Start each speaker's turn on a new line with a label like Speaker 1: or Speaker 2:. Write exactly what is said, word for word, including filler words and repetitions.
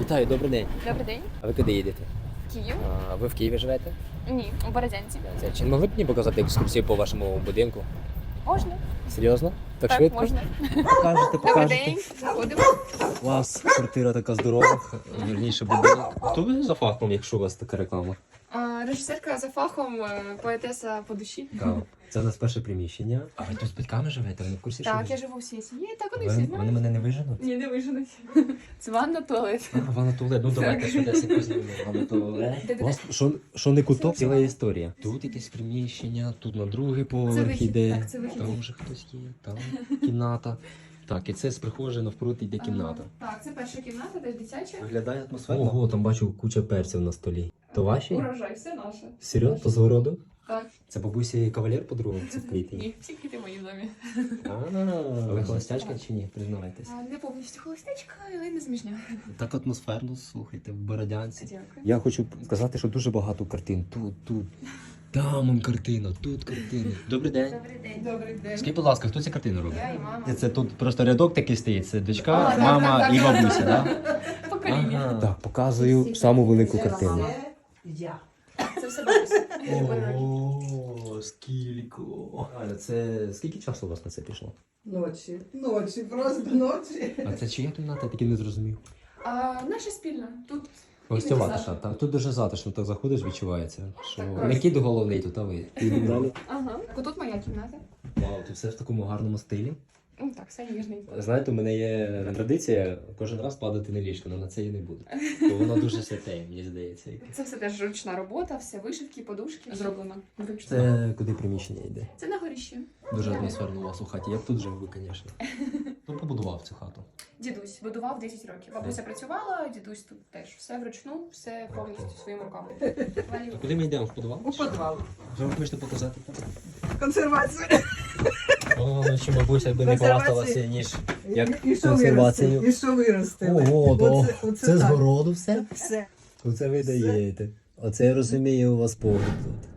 Speaker 1: Вітаю, добрий день.
Speaker 2: Добрий день.
Speaker 1: А ви куди їдете?
Speaker 2: Київ?
Speaker 1: А, ви в Києві живете?
Speaker 2: Ні, у Бородянці.
Speaker 1: Це, чи не могли б мені показати екскурсію по вашому будинку?
Speaker 2: Можна?
Speaker 1: Серйозно? Так,
Speaker 2: Так,
Speaker 1: швидко?
Speaker 2: можна.
Speaker 1: Покажете,
Speaker 2: Добрий
Speaker 1: покажете.
Speaker 2: день. Заходимо.
Speaker 1: У вас квартира така здорова, вірніше будинок. Хто ви за фахом, якщо у вас така реклама?
Speaker 2: А, режисерка за фахом, е, поетеса по душі.
Speaker 1: Так. Це у нас перше приміщення. А ви тут з батьками живете? Ви не в курсі, що
Speaker 2: Так,
Speaker 1: ви-
Speaker 2: я живу всією сім'єю, так вони всі
Speaker 1: Ви,
Speaker 2: знають.
Speaker 1: вони мене не виженуть?
Speaker 2: Ні, не виженуть. Це ванна, туалет.
Speaker 1: А, ванна туалет, ну давайте швидесенько знімемо. Ванна туалет. У вас що, що не куток, ціла історія. Тут якесь приміщення, тут на другий поверх
Speaker 2: вихід,
Speaker 1: іде.
Speaker 2: так, це вихід.
Speaker 1: Там вже хтось є, там кімната. Так, і це з прихожої навпроти йде кімната.
Speaker 2: А, Так, це перша кімната, де дитяча.
Speaker 1: Виглядає атмосферно. Ого, там бачу куча перців на столі. То ваші?
Speaker 2: Урожай, все наше.
Speaker 1: Серйозно? То з городу?
Speaker 2: Так.
Speaker 1: Це бабусі кавалер по-другому, це вкритий.
Speaker 2: Ні, всі квіти мої в домі.
Speaker 1: А, ви холостячка чи ні? Признавайтесь.
Speaker 2: А, Не повністю холостячка, але не зміжня.
Speaker 1: Так атмосферно, слухайте, в Бородянці.
Speaker 2: Дякую.
Speaker 1: Я хочу сказати, що дуже багато картин. Тут, тут. Там он картина, тут картина. Добрий день.
Speaker 2: Добрий день. Добрий день.
Speaker 1: Скажіть, будь ласка, хто ці картини робить?
Speaker 2: Я і мама.
Speaker 1: Це тут просто рядок такий стоїть. Це дочка,
Speaker 2: А, так,
Speaker 1: мама
Speaker 2: так,
Speaker 1: і
Speaker 2: так.
Speaker 1: бабуся, так?
Speaker 2: Покоління.
Speaker 1: Ага. Так, показую саму велику картину.
Speaker 3: Я.
Speaker 2: Це все бабуся.
Speaker 1: О, скільки. Аля, це скільки часу у вас на це пішло?
Speaker 3: Ночі. Ночі, просто ночі.
Speaker 1: А це чия кімната? Я таки не зрозумів.
Speaker 2: А, наша спільна. Тут
Speaker 1: Гостьова
Speaker 2: Іменно
Speaker 1: таша. Так, тут дуже затишно, так заходиш, відчувається, що
Speaker 2: Так,
Speaker 1: не кіт головний тут, а ви. Ідемо далі.
Speaker 2: Ага. Тут моя кімната.
Speaker 1: Вау, тут все в такому гарному стилі.
Speaker 2: Ну так, все ніжненько.
Speaker 1: Знаєте, у мене є традиція кожен раз падати на ліжко, але на це я не буду. Бо воно дуже святе, мені здається.
Speaker 2: Це все теж ручна робота, все вишивки, подушки зроблено вручну. Це,
Speaker 1: Це куди приміщення йде?
Speaker 2: Це на горіщі.
Speaker 1: Дуже атмосферно у вас у хаті. Я б тут жив би, звісно. Хто побудував цю хату?
Speaker 2: Дідусь будував десять років. Бабуся працювала, дідусь тут теж. Все вручну, все повністю своїми руками.
Speaker 1: А куди ми йдемо? В підвал?
Speaker 3: У підвал.
Speaker 1: Що ви хочете показати?
Speaker 3: Консервацію.
Speaker 1: О, ну чи бабуся би не
Speaker 3: Консервації.
Speaker 1: хвасталася, ніж як
Speaker 3: І що
Speaker 1: консервацію.
Speaker 3: виростили? І що виростили?
Speaker 1: Ого, то
Speaker 3: Оце- оце
Speaker 1: це з
Speaker 3: так.
Speaker 1: городу все?
Speaker 3: Все.
Speaker 1: Оце ви даєте. Оце я розумію, у вас погляд тут.